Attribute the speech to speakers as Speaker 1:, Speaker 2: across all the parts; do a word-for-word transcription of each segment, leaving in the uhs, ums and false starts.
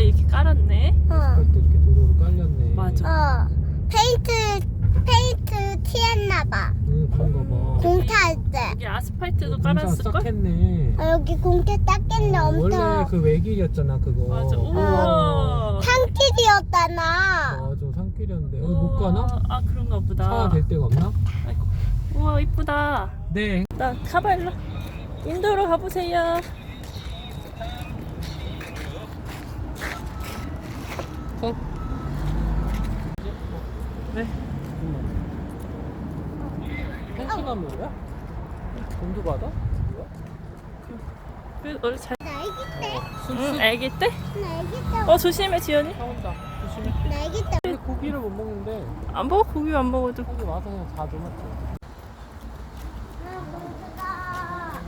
Speaker 1: 이렇게 깔았네.
Speaker 2: 어.
Speaker 3: 아스팔트 이렇게 도로로 깔렸네.
Speaker 1: 맞아.
Speaker 2: 어. 페인트 페인트 칠했나봐.
Speaker 3: 응, 그런가 봐.
Speaker 2: 공타할 때.
Speaker 1: 여기 아스팔트도
Speaker 3: 공사
Speaker 1: 깔았을걸?
Speaker 3: 싹 했네.
Speaker 2: 어, 여기 공타 닦겠네
Speaker 3: 어, 원래
Speaker 2: 엄청.
Speaker 3: 그 외길이었잖아 그거.
Speaker 1: 맞아. 우와.
Speaker 2: 산길이었잖아.
Speaker 3: 맞아, 산길이었는데 여기 못 가나?
Speaker 1: 아, 그런가 보다.
Speaker 3: 차 될 데가 없나?
Speaker 1: 아이고. 우와, 이쁘다.
Speaker 3: 네.
Speaker 1: 나 가봐, 일로. 인도로 가보세요.
Speaker 3: 어?
Speaker 1: 네.
Speaker 3: 펜션나무야? 돈두바다?
Speaker 1: 그, 원래 잘.
Speaker 2: 나 애기 때.
Speaker 1: 응, 애기 때?
Speaker 2: 나 애기 때.
Speaker 1: 어, 조심해, 지연이.
Speaker 3: 나온다. 조심해.
Speaker 2: 나 애기 때.
Speaker 3: 근데 고기를 못 먹는데
Speaker 1: 안 먹어, 고기 안 먹어도.
Speaker 3: 여기 와서 그냥 자주 먹지.
Speaker 2: 아, 공주다.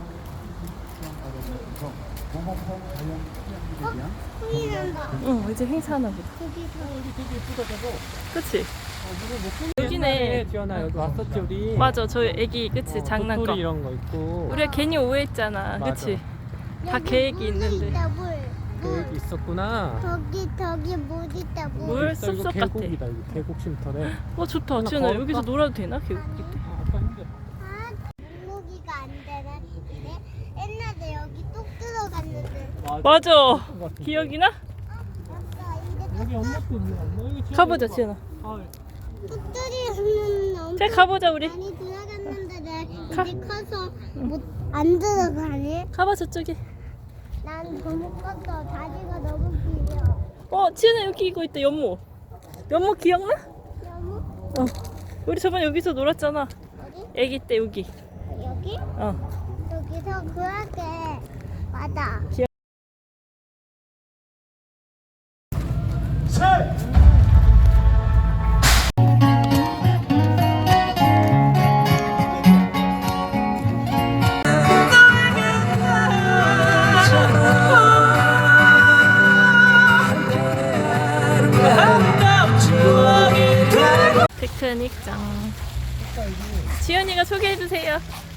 Speaker 2: 어? 소리 난다.
Speaker 1: 응, 이제 행사하나 보다.
Speaker 2: 거기 서
Speaker 3: 여기 되게 예쁘다 저거.
Speaker 1: 그치?
Speaker 3: 어, 물을 못 끓여.
Speaker 1: 여기네.
Speaker 3: 옛날에 지연아 여기 왔었지 우리.
Speaker 1: 맞아, 저희 애기, 그치?
Speaker 3: 어,
Speaker 1: 장난감.
Speaker 3: 도토리 이런 거 있고.
Speaker 1: 우리가 괜히 오해했잖아,
Speaker 3: 맞아.
Speaker 1: 그치? 다
Speaker 2: 여기
Speaker 1: 계획이
Speaker 2: 물이
Speaker 1: 있는데.
Speaker 2: 있다, 물.
Speaker 3: 계획이
Speaker 2: 물.
Speaker 3: 있었구나.
Speaker 2: 저기 저기 물 있다 물.
Speaker 1: 물
Speaker 3: 있어, 이거
Speaker 1: 숲속 같아.
Speaker 3: 계곡이다 이거 계곡 쉼터래.
Speaker 1: 어, 좋다.
Speaker 3: 하나
Speaker 1: 지연아,
Speaker 3: 걸을까?
Speaker 1: 여기서 놀아도 되나? 계곡이 때.
Speaker 3: 아, 아빠 힘들어.
Speaker 2: 아, 물고기가 안 되나? 이래? 옛날에 여기 뚝 들어갔는데.
Speaker 1: 맞아.
Speaker 3: 그런 것 같은데.
Speaker 1: 기억이나?
Speaker 2: 아빠 이제
Speaker 3: 여기 엄마도 있네. 엄마 여기 지연아
Speaker 1: 가보자,
Speaker 3: 이거 봐.
Speaker 1: 지연아.
Speaker 3: 아,
Speaker 2: 뚝 들이는 엄청
Speaker 1: 자, 가보자, 우리.
Speaker 2: 많이 들어갔는데 내
Speaker 1: 가.
Speaker 2: 이제 커서 못 안 들어가네.
Speaker 1: 가봐, 저쪽에.
Speaker 2: 난 너무 컸어. 다리가 너무 길어.
Speaker 1: 어, 지연아, 여기 이거 있다, 연못. 연못 기억나?
Speaker 2: 너무
Speaker 1: 어. 우리 저번에 여기서 놀았잖아.
Speaker 2: 어디?
Speaker 1: 애기 때 여기.
Speaker 2: 여기?
Speaker 1: 어.
Speaker 2: 여기서 그렇게 맞아.
Speaker 1: 피크닉장. 지연이가 소개해주세요.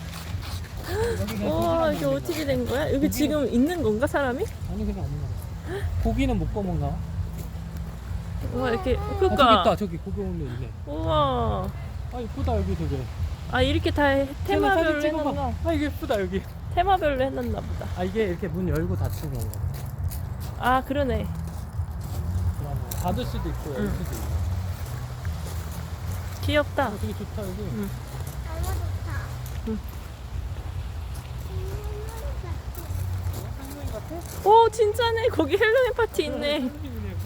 Speaker 1: 와, 이게 어떻게 된 거야? 여기 지금 있는 건가, 사람이?
Speaker 3: 아니 그냥 없는 거. 고기는 못 구워 먹나?
Speaker 1: 와, 이렇게.
Speaker 3: 아, 저기
Speaker 1: 그니까.
Speaker 3: 있다. 저기 고기 올려 있네.
Speaker 1: 우와.
Speaker 3: 아 이쁘다 여기 되게.
Speaker 1: 아, 이렇게 다
Speaker 3: 지연아,
Speaker 1: 테마별로
Speaker 3: 사진 찍어봐.
Speaker 1: 해놨나?
Speaker 3: 아 이게 예쁘다 여기.
Speaker 1: 테마별로 해놨나 보다.
Speaker 3: 아 이게 이렇게 문 열고 닫히는 건가?
Speaker 1: 아, 그러네.
Speaker 3: 그러네. 닫을 수도 있고 열
Speaker 1: 응.
Speaker 3: 수도 있고.
Speaker 1: 귀엽다.
Speaker 3: 어, 되게 좋다 여기.
Speaker 1: 응.
Speaker 2: 너무 좋다.
Speaker 1: 응.
Speaker 3: 할머니 같아?
Speaker 1: 오, 진짜네. 거기 헬로윈 파티 있네.
Speaker 3: 할머니네, 여기.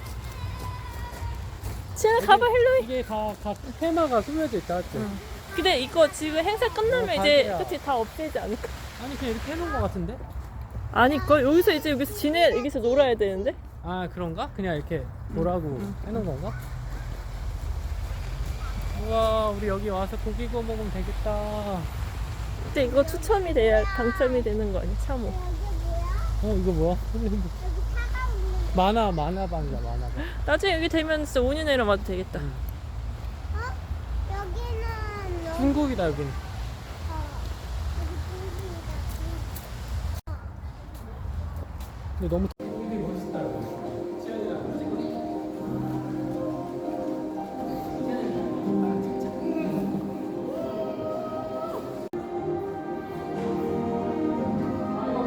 Speaker 1: 지연아, 가봐, 헬로윈.
Speaker 3: 이게 다, 다 테마가 꾸며져 있다 맞지?
Speaker 1: 응. 근데 이거 지금 행사 끝나면
Speaker 3: 어,
Speaker 1: 이제
Speaker 3: 가게야.
Speaker 1: 그치 다 없애지 않을까?
Speaker 3: 아니 그냥 이렇게 해놓은 거 같은데?
Speaker 1: 아니걸 여기서 이제 여기서 지내 여기서 놀아야 되는데.
Speaker 3: 아 그런가? 그냥 이렇게 보라고
Speaker 1: 응.
Speaker 3: 해놓은 건가? 우와 우리 여기 와서 고기 구워 먹으면 되겠다.
Speaker 1: 근데 이거 추첨이 돼야 당첨이 되는 거 아니야? 참호.
Speaker 2: 여기 뭐야?
Speaker 3: 어 이거 뭐야?
Speaker 2: 여기 차가 없는.
Speaker 3: 만화 만화방이야 만화방.
Speaker 1: 나중에 여기 되면 진짜 오 년에로 와도 되겠다.
Speaker 3: 응.
Speaker 2: 어? 여기는 너무.
Speaker 3: 중국이다 여기는.
Speaker 2: 어. 여기 중국이다.
Speaker 3: 근데 너무